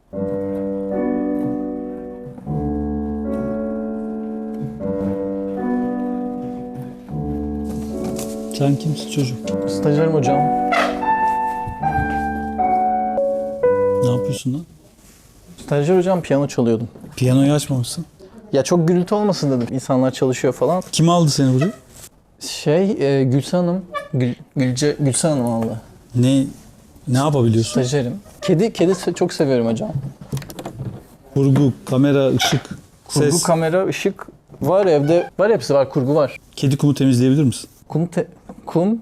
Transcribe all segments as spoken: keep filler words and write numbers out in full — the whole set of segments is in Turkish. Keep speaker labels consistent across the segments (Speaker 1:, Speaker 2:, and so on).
Speaker 1: Sen kimsin çocuk?
Speaker 2: Stajyerim hocam.
Speaker 1: Ne yapıyorsun lan?
Speaker 2: Stajyer hocam, piyano çalıyordum.
Speaker 1: Piyanoyu açmamışsın.
Speaker 2: Ya çok gürültü olmasın dedim. İnsanlar çalışıyor falan.
Speaker 1: Kim aldı seni buraya?
Speaker 2: Şey, e, Gülsen Hanım. Gül, Gülce, Gülsen Hanım aldı.
Speaker 1: Ne ne yapabiliyorsun?
Speaker 2: Stajyerim. Kedi, kedi se- çok seviyorum hocam.
Speaker 1: Kurgu, kamera, ışık,
Speaker 2: Kurgu,
Speaker 1: ses.
Speaker 2: kamera, ışık var evde. Var, hepsi var. Kurgu var.
Speaker 1: Kedi kumu temizleyebilir misin?
Speaker 2: Kum, te- kum.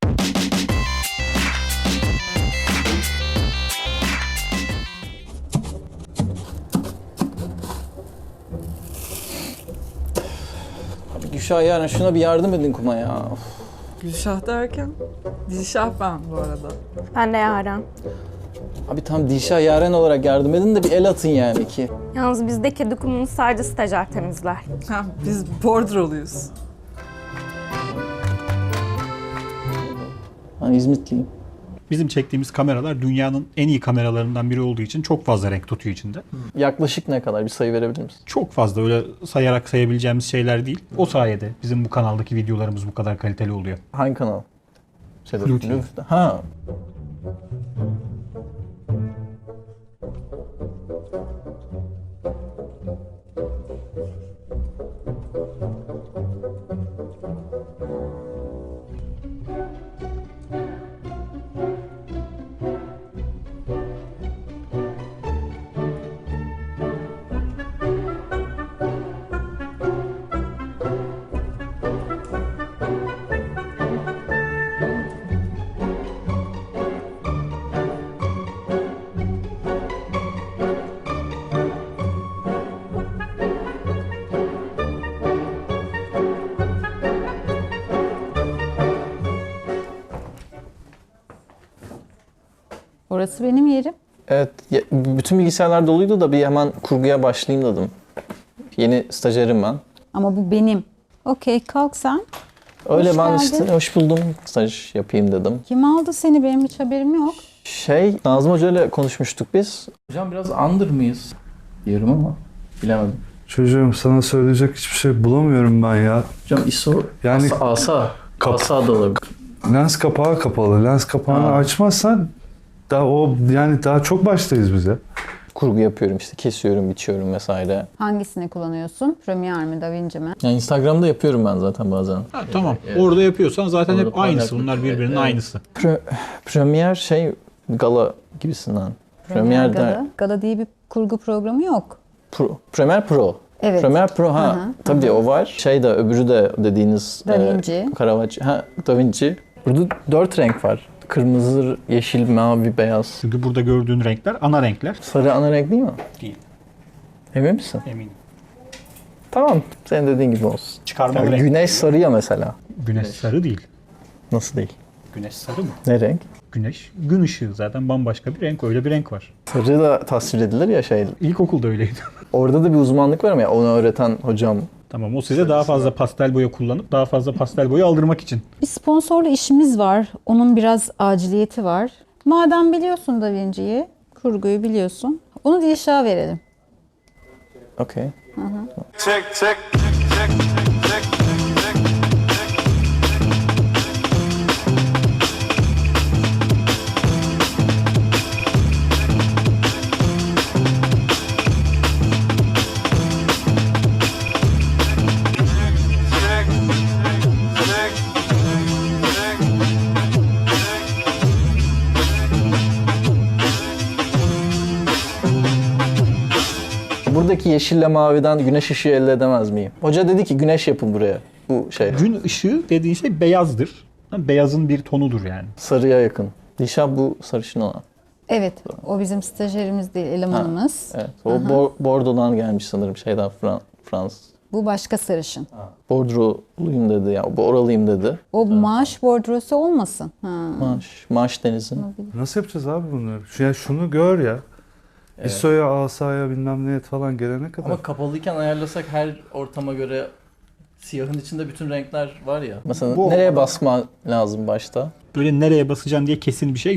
Speaker 2: Abi Gülşah, yarın şuna bir yardım edin kuma ya. Of.
Speaker 3: Gülşah derken? Dilşah ben bu arada.
Speaker 4: Ben de Yaren.
Speaker 2: Abi tam Dilşah, Yaren olarak yardım edin de bir el atın yani ki.
Speaker 4: Yalnız bizde kedi kumunu sadece stajyer temizler.
Speaker 3: Ha, biz bordroluyuz.
Speaker 2: Ben İzmitliyim.
Speaker 5: Bizim çektiğimiz kameralar dünyanın en iyi kameralarından biri olduğu için çok fazla renk tutuyor içinde.
Speaker 2: Yaklaşık ne kadar, bir sayı verebilir misin?
Speaker 5: Çok fazla öyle sayarak sayabileceğimiz şeyler değil. O sayede bizim bu kanaldaki videolarımız bu kadar kaliteli oluyor.
Speaker 2: Hangi kanal? Şeyde,
Speaker 5: Blue T V.
Speaker 2: Blue'da. Ha.
Speaker 6: Orası benim yerim.
Speaker 2: Evet, ya- bütün bilgisayarlar doluydu da bir hemen kurguya başlayayım dedim. Yeni stajyerim ben.
Speaker 6: Ama bu benim. Okey, kalk sen.
Speaker 2: Öyle
Speaker 6: Hoş
Speaker 2: ben
Speaker 6: geldin.
Speaker 2: işte hoş buldum, staj yapayım dedim.
Speaker 6: Kim aldı seni? Benim hiç haberim yok.
Speaker 2: Şey, Nazım Hoca ile konuşmuştuk biz. Hocam biraz under mıyız? Diyorum ama bilemedim.
Speaker 7: Çocuğum, sana söyleyecek hiçbir şey bulamıyorum ben ya.
Speaker 2: Hocam I S O,
Speaker 7: Yani
Speaker 2: asa, asa,
Speaker 7: Kap-
Speaker 2: asa da olabilir.
Speaker 7: lens kapağı kapalı. Lens kapağını
Speaker 2: Ha.
Speaker 7: açmazsan daha o yani daha çok baştayız bize.
Speaker 2: Kurgu yapıyorum işte, kesiyorum, biçiyorum vesaire.
Speaker 6: Hangisini kullanıyorsun? Premiere mi, DaVinci mi?
Speaker 2: Yani Instagram'da yapıyorum ben zaten bazen.
Speaker 5: Ha, tamam. Orada yapıyorsan zaten
Speaker 2: Orada
Speaker 5: hep aynısı.
Speaker 2: paylaşmak-
Speaker 5: Bunlar birbirinin
Speaker 2: Evet.
Speaker 5: aynısı.
Speaker 2: Pre- Premiere şey, gala gibisinden. Premiere
Speaker 6: Gala.
Speaker 2: der-
Speaker 6: Gala diye bir kurgu programı yok.
Speaker 2: Pro, Premiere Pro.
Speaker 6: Evet.
Speaker 2: Premiere Pro, ha.
Speaker 6: Hı hı,
Speaker 2: Tabii o var. Şey de, öbürü de dediğiniz
Speaker 6: DaVinci.
Speaker 2: E, Caravaggio. Ha, DaVinci. Burada dört renk var. Kırmızı, yeşil, mavi, beyaz.
Speaker 5: Çünkü burada gördüğün renkler ana renkler.
Speaker 2: Sarı ana renk değil mi?
Speaker 5: Değil.
Speaker 2: Emin misin?
Speaker 5: Eminim.
Speaker 2: Tamam. Senin dediğin gibi olsun.
Speaker 5: Çıkarmalı
Speaker 2: Yani
Speaker 5: renk.
Speaker 2: güneş sarı ya mesela.
Speaker 5: Güneş sarı değil.
Speaker 2: Nasıl değil?
Speaker 5: Güneş sarı mı?
Speaker 2: Ne renk?
Speaker 5: Güneş, gün ışığı zaten bambaşka bir renk. Öyle bir renk var.
Speaker 2: Sarı da tasvir edilir ya şey.
Speaker 5: İlkokulda öyleydi.
Speaker 2: Orada da bir uzmanlık var ama ya, onu öğreten hocam.
Speaker 5: Tamam, o size daha fazla pastel boya kullanıp daha fazla pastel boya aldırmak için.
Speaker 6: Bir sponsorlu işimiz var. Onun biraz aciliyeti var. Madem biliyorsun DaVinci'yi, kurguyu biliyorsun. Onu Dilşah'a verelim.
Speaker 2: Okey. Buradaki yeşille maviden güneş ışığı elde edemez miyim? Hoca dedi ki güneş yapın buraya. Bu şey
Speaker 5: Gün ışığı dediğin şey beyazdır. Beyazın bir tonudur yani.
Speaker 2: sarıya yakın. Dişah bu sarışın olan.
Speaker 6: Evet, o bizim stajyerimiz değil, elemanımız.
Speaker 2: Evet. O bo- bordodan gelmiş sanırım şeyden Fran Fransız.
Speaker 6: Bu başka sarışın.
Speaker 2: Bordroluyum dedi ya. Bu oralıyım dedi.
Speaker 6: O maaş bordrosu olmasın. Ha.
Speaker 2: Maaş, maaş denizin.
Speaker 7: Nasıl yapacağız abi bunları? Şu, ya şunu gör ya.
Speaker 2: Evet.
Speaker 7: I S O'ya, asaya bilmem neye falan gelene kadar.
Speaker 2: Ama kapalıyken ayarlasak her ortama göre siyahın içinde bütün renkler var ya. Mesela
Speaker 5: Bu-
Speaker 2: nereye basma lazım başta?
Speaker 5: Böyle nereye basacaksın diye kesin bir şey yok.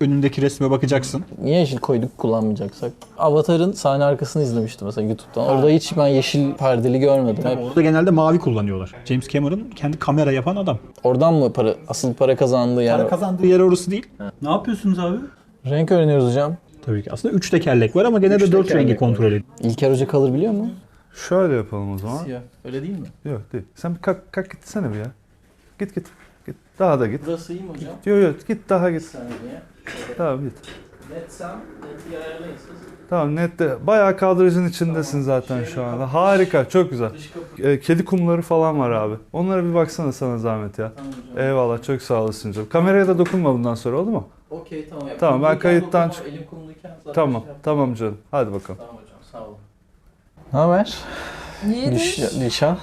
Speaker 5: önündeki resme bakacaksın.
Speaker 2: Niye yeşil koyduk kullanmayacaksak? Avatar'ın sahne arkasını izlemiştim mesela YouTube'dan. Orada hiç ben yeşil perdeli görmedim. Hep
Speaker 5: Orada genelde mavi kullanıyorlar. James Cameron kendi kamera yapan adam.
Speaker 2: oradan mı para, asıl para kazandığı yer?
Speaker 5: Para kazandığı yer orası değil.
Speaker 1: Ne yapıyorsunuz abi?
Speaker 2: Renk öğreniyoruz hocam.
Speaker 5: Tabii ki. Aslında üç tekerlek var ama genelde dört rengi kontrol ediyor.
Speaker 2: İlker Hoca kalır biliyor mu?
Speaker 7: Şöyle yapalım o zaman.
Speaker 2: Siyah. Öyle değil mi?
Speaker 7: Yok değil. Sen bir kalk, kalk gitsene bir ya. Git git. Git. Daha da git.
Speaker 2: Burası iyi mi hocam?
Speaker 7: Yok yok git daha git.
Speaker 2: Saniye.
Speaker 7: Tamam git.
Speaker 2: Netsem, neti ayarlayın siz.
Speaker 7: Tamam nette. Bayağı kadrajın içindesin zaten şu anda. Harika. Çok güzel. Ee, kedi kumları falan var abi. Onlara bir baksana sana zahmet ya.
Speaker 2: Tamam hocam.
Speaker 7: Eyvallah. Çok sağ olasın canım. Kameraya da dokunma bundan sonra oldu mu?
Speaker 2: Okey tamam. Ya,
Speaker 7: Tamam, ben
Speaker 2: kumluyken
Speaker 7: kayıttan
Speaker 2: dokunmam, Elim kumluyken zaten
Speaker 7: Tamam.
Speaker 2: şey yap-
Speaker 7: Tamam canım. Hadi bakalım.
Speaker 2: Tamam hocam sağ olun. Ne haber?
Speaker 3: İyidir.
Speaker 2: Gülşah.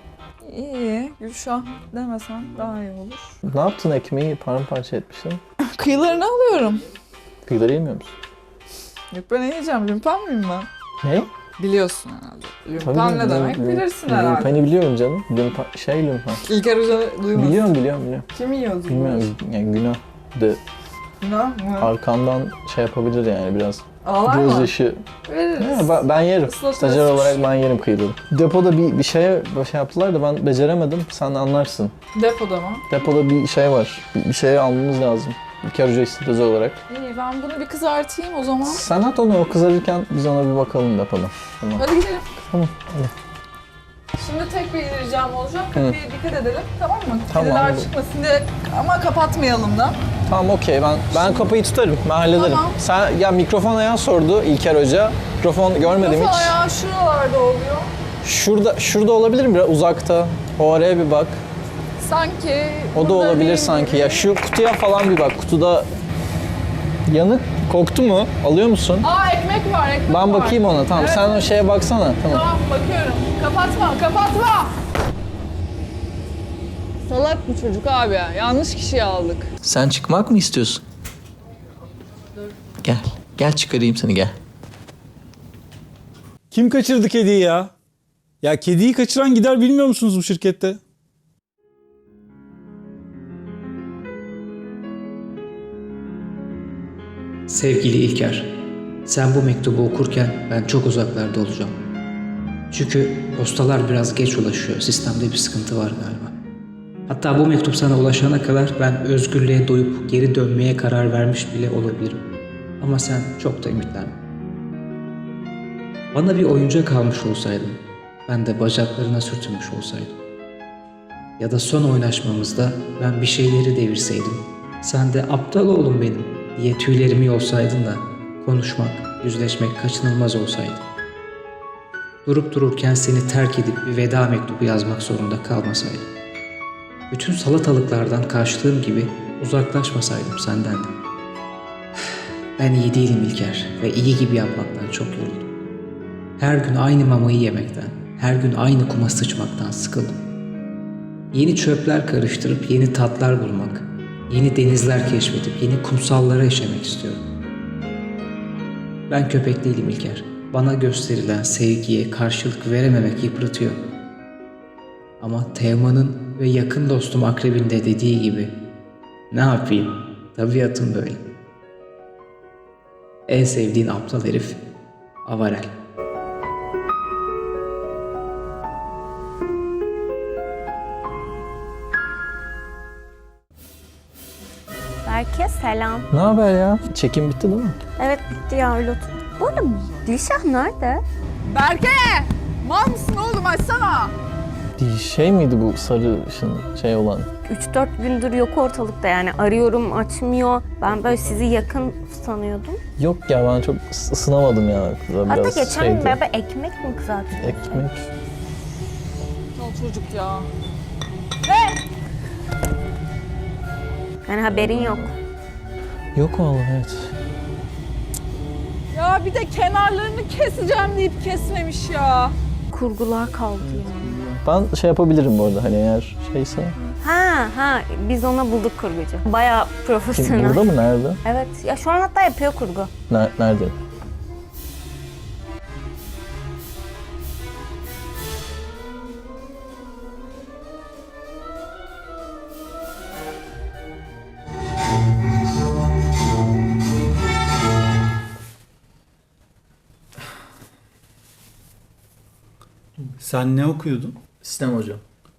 Speaker 3: İyi. Gülşah demesen daha iyi olur.
Speaker 2: Ne yaptın ekmeği paramparça etmişsin?
Speaker 3: Kıyılarını alıyorum.
Speaker 2: Kıyıları yemiyor musun?
Speaker 3: Yok ben ne yiyeceğim? Lümpen miyim ben?
Speaker 2: Ne?
Speaker 3: Biliyorsun herhalde. Lümpen ne
Speaker 2: lüm-
Speaker 3: demek
Speaker 2: lüm-
Speaker 3: bilirsin herhalde.
Speaker 2: Lümpeni biliyorum canım. Lümpen, şey lümpen.
Speaker 3: İlker Hoca duymasın.
Speaker 2: Biliyorum biliyorum biliyorum.
Speaker 3: Kim yiyordu?
Speaker 2: Bilmiyorum yani günah. De
Speaker 3: Günah mı?
Speaker 2: arkandan şey yapabilir yani biraz.
Speaker 3: Ağlar mı?
Speaker 2: Gözyaşı.
Speaker 3: Veririz.
Speaker 2: Ya, ben, ben yerim.
Speaker 3: Islatırız.
Speaker 2: Stajyer olarak ben yerim kıyıları. Depoda bir, bir şeye bir şey yaptılar da ben beceremedim. Sen anlarsın.
Speaker 3: Depoda mı?
Speaker 2: Depoda bir şey var. Bir, bir şey almamız lazım. İlker Hoca istedi özel olarak.
Speaker 3: İyi ben bunu bir kızartayım o zaman.
Speaker 2: Sen at onu o kızarırken biz ona bir bakalım depoda. Tamam.
Speaker 3: Hadi gidelim.
Speaker 2: Tamam. Hadi.
Speaker 3: Şimdi tek bir ricam olacak. Kapıya dikkat edelim. Tamam mı?
Speaker 2: Tamam.
Speaker 3: Kediler çıkmasın diye ama kapatmayalım da.
Speaker 2: Tamam okey ben ben kapıyı tutarım. Ben hallederim.
Speaker 3: Tamam.
Speaker 2: Sen ya mikrofon ayağı sordu İlker Hoca. Mikrofon görmedim
Speaker 3: Kafa
Speaker 2: hiç.
Speaker 3: ayağı şuralarda oluyor.
Speaker 2: Şurada şurada olabilir mi biraz uzakta? O araya bir bak.
Speaker 3: Sanki
Speaker 2: O da
Speaker 3: burada
Speaker 2: olabilir
Speaker 3: değil
Speaker 2: sanki.
Speaker 3: gibi.
Speaker 2: Ya şu kutuya falan bir bak. Kutuda yanık koktu mu? Alıyor musun?
Speaker 3: Aa ekmek var ekmek
Speaker 2: Ben
Speaker 3: var.
Speaker 2: bakayım ona. Tamam
Speaker 3: Evet.
Speaker 2: sen o şeye baksana. Tamam.
Speaker 3: Tamam bakıyorum. Kapatma kapatma. Salak bu çocuk abi ya. Yanlış kişiyi aldık.
Speaker 2: Sen çıkmak mı istiyorsun? Gel. Gel çıkarayım seni gel.
Speaker 1: Kim kaçırdı kediyi ya? Ya kediyi kaçıran gider bilmiyor musunuz bu şirkette?
Speaker 8: Sevgili İlker, sen bu mektubu okurken ben çok uzaklarda olacağım. Çünkü postalar biraz geç ulaşıyor. Sistemde bir sıkıntı var galiba. Hatta bu mektup sana ulaşana kadar ben özgürlüğe doyup geri dönmeye karar vermiş bile olabilirim. Ama sen çok da ümitlenme. Bana bir oyuncak almış olsaydın, ben de bacaklarına sürtünmüş olsaydım. Ya da son oynaşmamızda ben bir şeyleri devirseydim, sen de aptal oğlum benim diye tüylerimi yolsaydın da konuşmak, yüzleşmek kaçınılmaz olsaydı. Durup dururken seni terk edip bir veda mektubu yazmak zorunda kalmasaydım. Bütün salatalıklardan kaçtığım gibi uzaklaşmasaydım senden de. Ben iyi değilim İlker ve iyi gibi yapmaktan çok yoruldum. Her gün aynı mamayı yemekten, her gün aynı kuma sıçmaktan sıkıldım. Yeni çöpler karıştırıp yeni tatlar bulmak, yeni denizler keşfedip yeni kumsallara işemek istiyorum. Ben köpek değilim İlker. Bana gösterilen sevgiye karşılık verememek yıpratıyor. Ama Teoman'ın ve yakın dostum Akrebin de dediği gibi ne yapayım? Tabiatım böyle. En sevdiğin aptal herif Avarel.
Speaker 4: Berke selam.
Speaker 2: Ne haber ya? Çekim bitti değil mi?
Speaker 4: Evet bitti ya öyle otur. Bu arada Dilşah nerede?
Speaker 3: Berke! Mal mısın oğlum açsana.
Speaker 2: Şey miydi bu sarışın şey olan?
Speaker 4: üç dört gündür yok ortalıkta yani arıyorum açmıyor. Ben böyle sizi yakın sanıyordum.
Speaker 2: Yok ya ben çok ıs- ısınamadım ya. Kıza
Speaker 4: Hatta
Speaker 2: biraz
Speaker 4: geçen
Speaker 2: şeydi.
Speaker 4: gün beraber ekmek mi kızarttık?
Speaker 2: Ekmek.
Speaker 3: O çocuk ya.
Speaker 4: Yani haberin yok.
Speaker 2: Yok vallahi evet.
Speaker 3: Ya bir de kenarlarını keseceğim deyip kesmemiş ya.
Speaker 4: Kurgular kaldı ya.
Speaker 2: Ben şey yapabilirim bu arada hani eğer şeyse.
Speaker 4: Ha ha biz ona bulduk kurgucu. Bayağı
Speaker 2: Kim,
Speaker 4: profesyonel.
Speaker 2: burada mı? Nerede?
Speaker 4: Evet ya şu an hatta yapıyor kurgu.
Speaker 2: Ner- nerede?
Speaker 1: Sen ne okuyordun?
Speaker 2: Sistem hocam.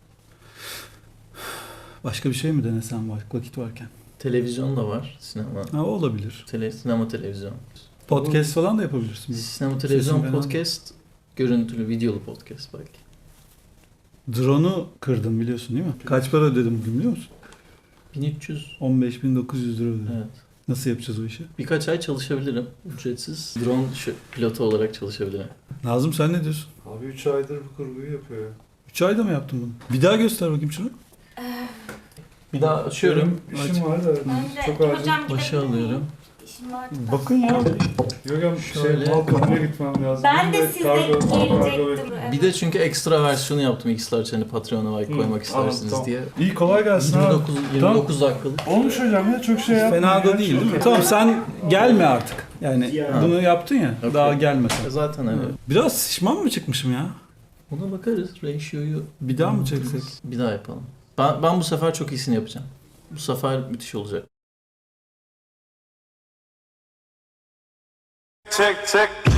Speaker 1: Başka bir şey mi denesen vak- vakit varken?
Speaker 2: Televizyon da var. Sinema.
Speaker 1: Ha, o olabilir.
Speaker 2: Tele, sinema televizyon.
Speaker 1: Podcast falan da yapabilirsin.
Speaker 2: Sinema televizyon
Speaker 1: Sesin fena.
Speaker 2: podcast. Görüntülü videolu podcast belki.
Speaker 1: Drone'u kırdım biliyorsun değil mi? Kaç para ödedim bugün biliyor musun?
Speaker 2: bin üç yüz.
Speaker 1: on beş bin dokuz yüz lira ödedim.
Speaker 2: Evet.
Speaker 1: Nasıl yapacağız o işi?
Speaker 2: Birkaç ay çalışabilirim. Ücretsiz. Drone şu- pilotu olarak çalışabilirim.
Speaker 1: Nazım sen ne diyorsun?
Speaker 7: Abi üç aydır bu kurguyu yapıyor ya.
Speaker 1: üç ayda mı yaptın bunu? Bir daha göster bakayım şunu.
Speaker 2: Bir daha açıyorum.
Speaker 7: İşim var da çok acil.
Speaker 2: Başa alıyorum.
Speaker 1: Bakın ya.
Speaker 7: Yok ya şey
Speaker 2: Şöyle.
Speaker 7: Balkon'a gitmem lazım.
Speaker 4: Ben de
Speaker 7: Ve
Speaker 4: size
Speaker 7: kargo- kargo
Speaker 4: gelecektim.
Speaker 2: Bir de çünkü ekstra versiyonu yaptım X-Large hani Patreon'a belki
Speaker 7: Hı,
Speaker 2: koymak istersiniz
Speaker 7: tamam.
Speaker 2: diye.
Speaker 7: İyi kolay gelsin
Speaker 2: yirmi
Speaker 7: abi.
Speaker 2: dokuz, yirmi dokuz dakikalık.
Speaker 7: Olmuş hocam ya çok şey yapma.
Speaker 1: Fena da
Speaker 7: ya.
Speaker 1: değil değil mi? Tamam sen gelme artık. Yani
Speaker 2: Ha.
Speaker 1: bunu yaptın ya.
Speaker 2: Okey.
Speaker 1: Daha gelme sen.
Speaker 2: E Zaten hani
Speaker 1: Biraz şişman mı çıkmışım ya?
Speaker 2: buna bakarız. Ratio'yu
Speaker 1: Bir daha mı çeksek?
Speaker 2: bir daha yapalım. Ben, ben bu sefer çok iyisini yapacağım. Bu sefer müthiş olacak.
Speaker 9: Check, check.